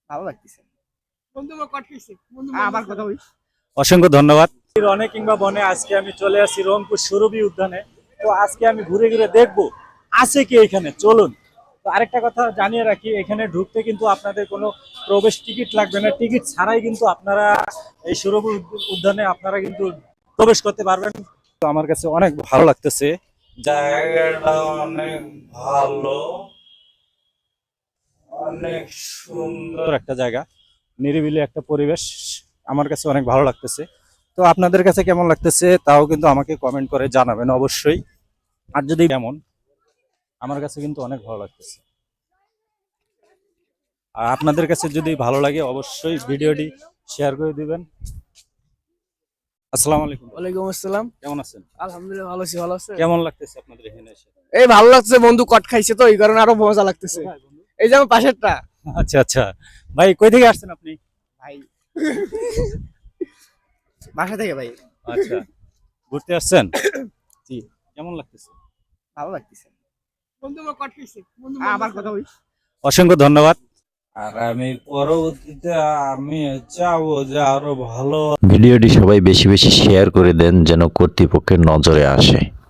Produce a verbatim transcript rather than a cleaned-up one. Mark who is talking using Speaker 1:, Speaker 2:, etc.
Speaker 1: ভালো লাগতেছে।
Speaker 2: বন্ধু আমার কট খাইছে বন্ধু
Speaker 1: আমার কথা বলি।
Speaker 3: অসংখ্য ধন্যবাদ। রনে কিংবা বনে আজকে আমি চলে আসি রংপুর সুরভি উদ্যানে। তো আজকে আমি ঘুরে ঘুরে দেখবো আছে কি এখানে, চলুন। তো আরেকটা কথা জানিয়ে রাখি, এখানে ঢুকতে কিন্তু আপনাদের কোনো প্রবেশ টিকিট লাগবে না, টিকিট ছাড়াই কিন্তু আপনারা এই সুরভি উদ্যানে আপনারা কিন্তু প্রবেশ করতে পারবেন। তো আমার কাছে অনেক ভালো লাগতেছে, জায়গাটা অনেক ভালো, অনেক সুন্দর একটা জায়গা, নিরিবিলি একটা পরিবেশ, আমার কাছে অনেক ভালো লাগতেছে। তো আপনাদের কাছে কেমন লাগতেছে তাও কিন্তু আমাকে কমেন্ট করে জানাবেন অবশ্যই। আর যদি কেমন, আমার কাছে কিন্তু অনেক ভালো লাগতেছে। আর আপনাদের কাছে যদি ভালো লাগে অবশ্যই ভিডিওটি শেয়ার করে দিবেন। আসসালামু আলাইকুম।
Speaker 2: ওয়ালাইকুম আসসালাম।
Speaker 3: কেমন আছেন?
Speaker 2: আলহামদুলিল্লাহ ভালো আছি। ভালো আছে?
Speaker 3: কেমন লাগতেছে আপনাদের এখানে এসে?
Speaker 2: এই ভালো লাগছে, বন্ধু কট খাইছে তো এই কারণে আরো মজা লাগতেছে। এই যে আমার পাশেরটা
Speaker 3: আচ্ছা আচ্ছা, ভাই কই থেকে আসছেন আপনি?
Speaker 1: ভাই বাসা থেকে ভাই।
Speaker 3: আচ্ছা, ঘুরতে আসছেন?
Speaker 1: জি।
Speaker 3: কেমন লাগতেছে?
Speaker 1: ভালো লাগতেছে।
Speaker 2: বন্ধু আমার কট খাইছে বন্ধু
Speaker 1: আমার কথা বলি।
Speaker 3: অসংখ্য ধন্যবাদ। আর আমি পরবর্তীতে আমি চাবো যে আরো ভালো
Speaker 4: ভিডিওটি সবাই বেশি বেশি শেয়ার করে দেন যেন কর্তৃপক্ষের নজরে আসে।